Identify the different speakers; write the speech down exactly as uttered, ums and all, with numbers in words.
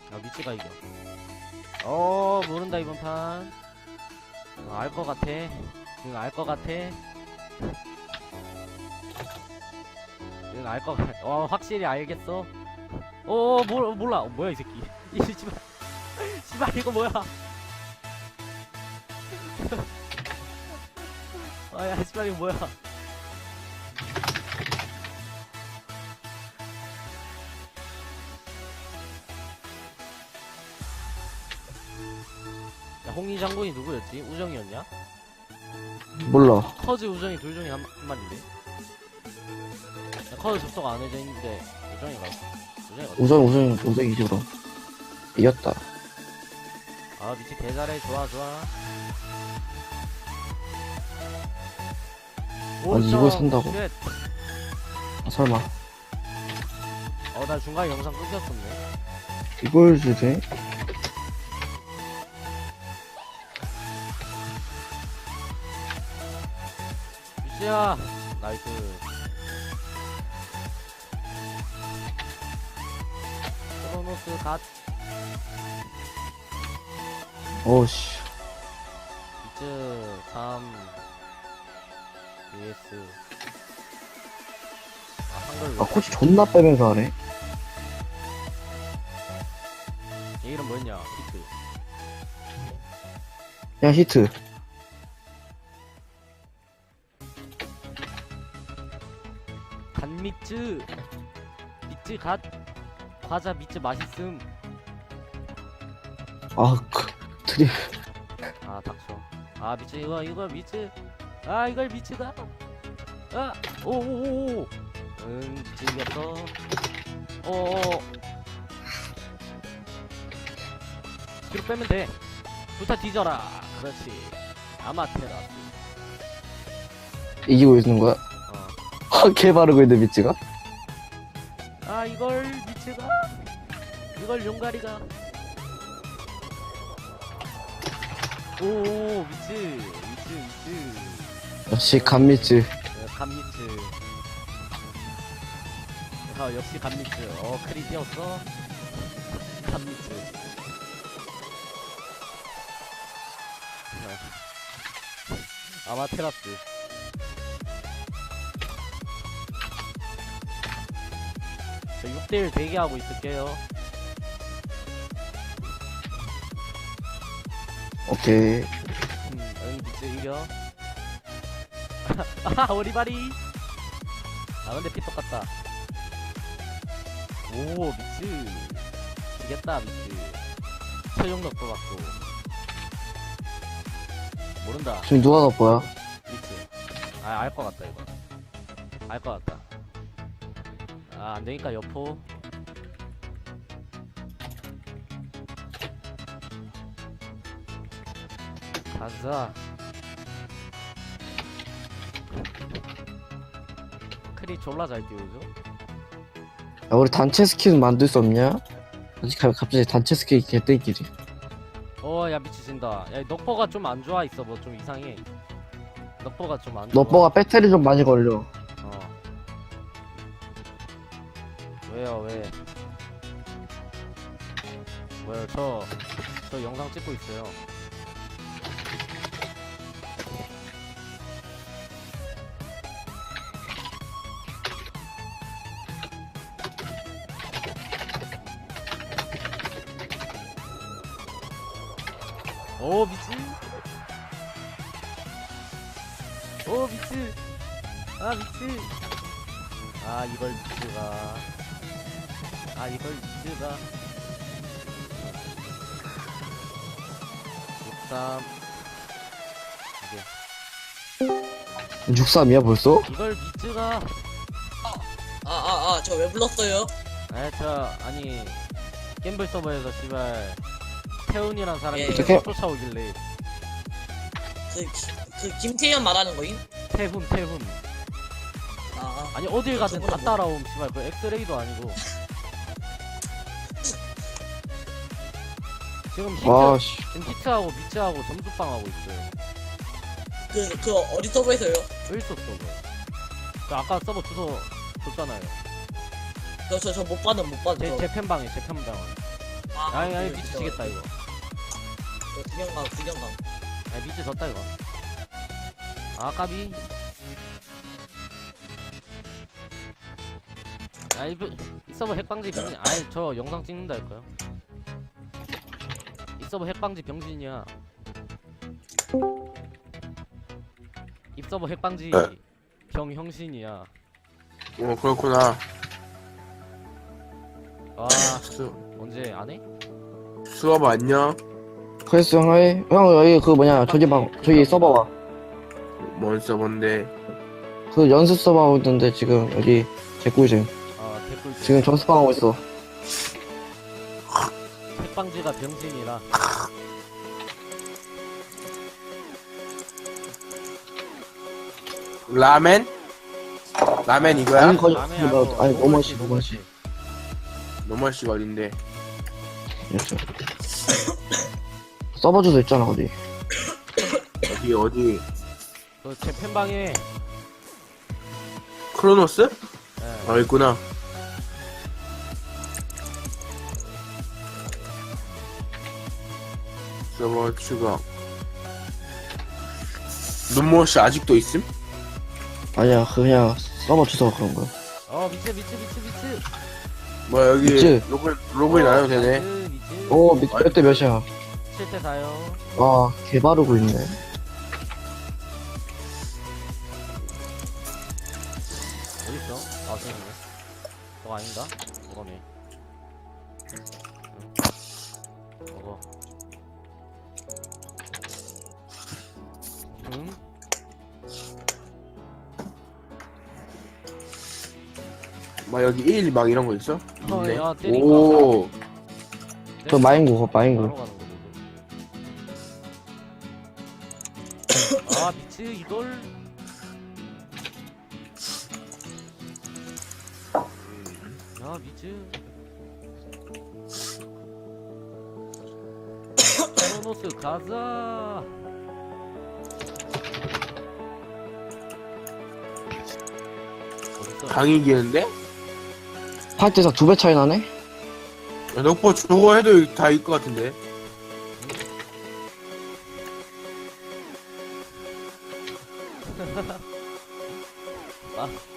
Speaker 1: 아 미치가 이겨. 어 모른다 이번 판. 어, 알 것 같아. 응 알 것 같아. 응 알 것 같아. 어 확실히 알겠어. 어 뭘 몰라. 어, 뭐야 이 새끼. 이 씨발 씨발 이거 뭐야. 아야 씨발 이거 뭐야. 야 홍리 장군이 누구였지? 우정이었냐?
Speaker 2: 몰라.
Speaker 1: 커즈 우정이 둘 중에 한, 한 마리인데. 야, 커즈 접속 안 해져 있는데 우정이가 우정이가
Speaker 2: 우정, 우정, 우정 이지 그럼. 이겼다.
Speaker 1: 아 미치 개잘해. 좋아 좋아.
Speaker 2: 아니, 이걸 산다고?
Speaker 1: 쉣.
Speaker 2: 아, 설마.
Speaker 1: 어, 나 중간에 영상 끊겼었네.
Speaker 2: 이걸 주제?
Speaker 1: 미치야 나이스. 크로노스 갓.
Speaker 2: 어우씨.
Speaker 1: 미츠 삼 vs 아 한글.
Speaker 2: 아, 코치 존나 빼면서 하네.
Speaker 1: 얘 이름 뭐였냐? 히트.
Speaker 2: 야, 히트.
Speaker 1: 간미츠. 미츠 갓. 과자 미츠 맛있음.
Speaker 2: 아, 그, 드립.
Speaker 1: 아 닥쳐. 아 미츠 이거 이거 미츠. 아 이걸 미츠다. 아 오오오오. 응 미츠 이겼어. 어어. 뒤로 빼면 돼. 불타 뒤져라. 그렇지. 아마테라스.
Speaker 2: 이기고 있는 거야?
Speaker 1: 어.
Speaker 2: 아, 개 바르고 있는 미치가?
Speaker 1: 아 이걸 미츠가. 이걸 용가리가. 오 미츠 미츠 미츠.
Speaker 2: 역시 간미치.
Speaker 1: 어, 감미츠. 어 역시 감미츠. 어 크리 띄었어. 감미츠. 어. 아마테라스. 저 육 대 일 대기하고 있을게요.
Speaker 2: 오케이.
Speaker 1: 음, 응 미츠 이겨. 아 오리바리. 아 근데 피 똑같다. 오 미츠 이겼다. 미츠 최종력도 맞고. 모른다.
Speaker 2: 지금 누가 더 보야?
Speaker 1: 미츠. 아 알 것 같다 이거. 알 것 같다. 아 안되니까 여포. 가자. 크리 졸라 잘 띄우죠?
Speaker 2: 야, 우리 단체 스킨 만들 수 없냐? 아직 가- 갑자기 단체 스킨 개떼끼리.
Speaker 1: 어야 미치진다. 야 넉버가 좀 안 좋아 있어. 뭐 좀 이상해. 넉버가 좀 안 좋아.
Speaker 2: 너버가 배터리 좀 많이 걸려.
Speaker 1: 어. 왜요 왜? 왜요 저 저 영상 찍고 있어요. 오 미치. 오 미치. 아 미치. 아 이걸 미치가. 아 이걸 미치가. 육삼. 이게
Speaker 2: 육삼이야 벌써?
Speaker 1: 이걸 미치가.
Speaker 3: 아, 아, 아, 저 왜 불렀어요?
Speaker 1: 아저 아니 갬블 서버에서 씨발 태훈이란 사람이
Speaker 3: 예.
Speaker 1: 계속
Speaker 2: 어떡해?
Speaker 1: 쫓아오길래.
Speaker 3: 그, 그, 김태현 말하는 거임?
Speaker 1: 태훈 태훈.
Speaker 3: 아,
Speaker 1: 아니 어딜 가든 다
Speaker 3: 저거는 뭐-
Speaker 1: 따라옴. 씨발 그 엑스레이도 아니고. 지금 히트
Speaker 2: 와, 씨.
Speaker 1: 지금 히트하고 미츠하고 점수빵 하고 있어요.
Speaker 3: 그, 그, 어디 서버에서요?
Speaker 1: 일소 서버. 그 아까 서버 주소 줬잖아요.
Speaker 3: 저, 저, 저 못 받은, 못 받은.
Speaker 1: 제
Speaker 3: 저.
Speaker 1: 제 팬방에 제 팬방.
Speaker 3: 아,
Speaker 1: 아니 아니 미치겠다 이거.
Speaker 3: 저 구경감 구경감.
Speaker 1: 아 미치 졌다 이거. 아 까비. 아 이거 이 서버 핵방지 병신. 아이 저 영상 찍는다 할까요? 이 서버 핵방지 병신이야. 이 서버 핵방지
Speaker 4: 네.
Speaker 1: 병형신이야.
Speaker 4: 어 그렇구나.
Speaker 1: 아
Speaker 4: 수,
Speaker 1: 언제 안 해?
Speaker 4: 수업 안녕.
Speaker 2: 그랬어 형이 형 여기 그 뭐냐 저기 방 저기 서버 와.
Speaker 4: 뭔 서버인데?
Speaker 2: 그 연습 서버 하고 있는데 지금 여기 개꿀 중.
Speaker 1: 아 댓글 좀.
Speaker 2: 지금 전수방 하고 있어.
Speaker 1: 핵방지가 병신이라.
Speaker 4: 라멘? 라멘 이거야?
Speaker 2: 아니, 거기-
Speaker 1: 남의
Speaker 2: 뭐,
Speaker 1: 하고
Speaker 2: 아니,
Speaker 1: 노멀씨,
Speaker 2: 노멀씨,
Speaker 1: 노멀씨.
Speaker 4: 노멀 씨가 어딘데?
Speaker 2: 이렇게. 서버 주소 있잖아 어디.
Speaker 4: 어디 어디?
Speaker 1: 그제 팬방에.
Speaker 4: 크로노스?
Speaker 1: 예.
Speaker 4: 어 있구나. 서버 추가. 눈물 씨 아직도 있음?
Speaker 2: 아니야 그 그냥 서버 주소 그런 거야.
Speaker 1: 어 미치 미치 미치 미치.
Speaker 4: 뭐야 여기
Speaker 2: 있지?
Speaker 4: 로그인 로그인 안 해도 되네.
Speaker 1: 미치 미치.
Speaker 2: 오 몇 대 몇이야.
Speaker 1: 칠 대 사요.
Speaker 2: 아 개바르고 있네.
Speaker 1: 어딨어? 아 저기네. 저거 아닌가? 저거네. 응. 저거. 응?
Speaker 4: 뭐 여기 일 막 이런 거 있어?
Speaker 1: 어,
Speaker 4: 있네.
Speaker 1: 야, 때리고
Speaker 4: 오.
Speaker 2: 저 마인구 그거 마인구.
Speaker 1: 바로 가는 거거든. 아 미치 이걸. 야 미치. 크로노스 가자. 어딨어?
Speaker 4: 강이 이기는데?
Speaker 2: 팔 대 사 두 배 차이 나네?
Speaker 4: 야, 넉보 저거 해도 다 이길 것 같은데.
Speaker 1: 아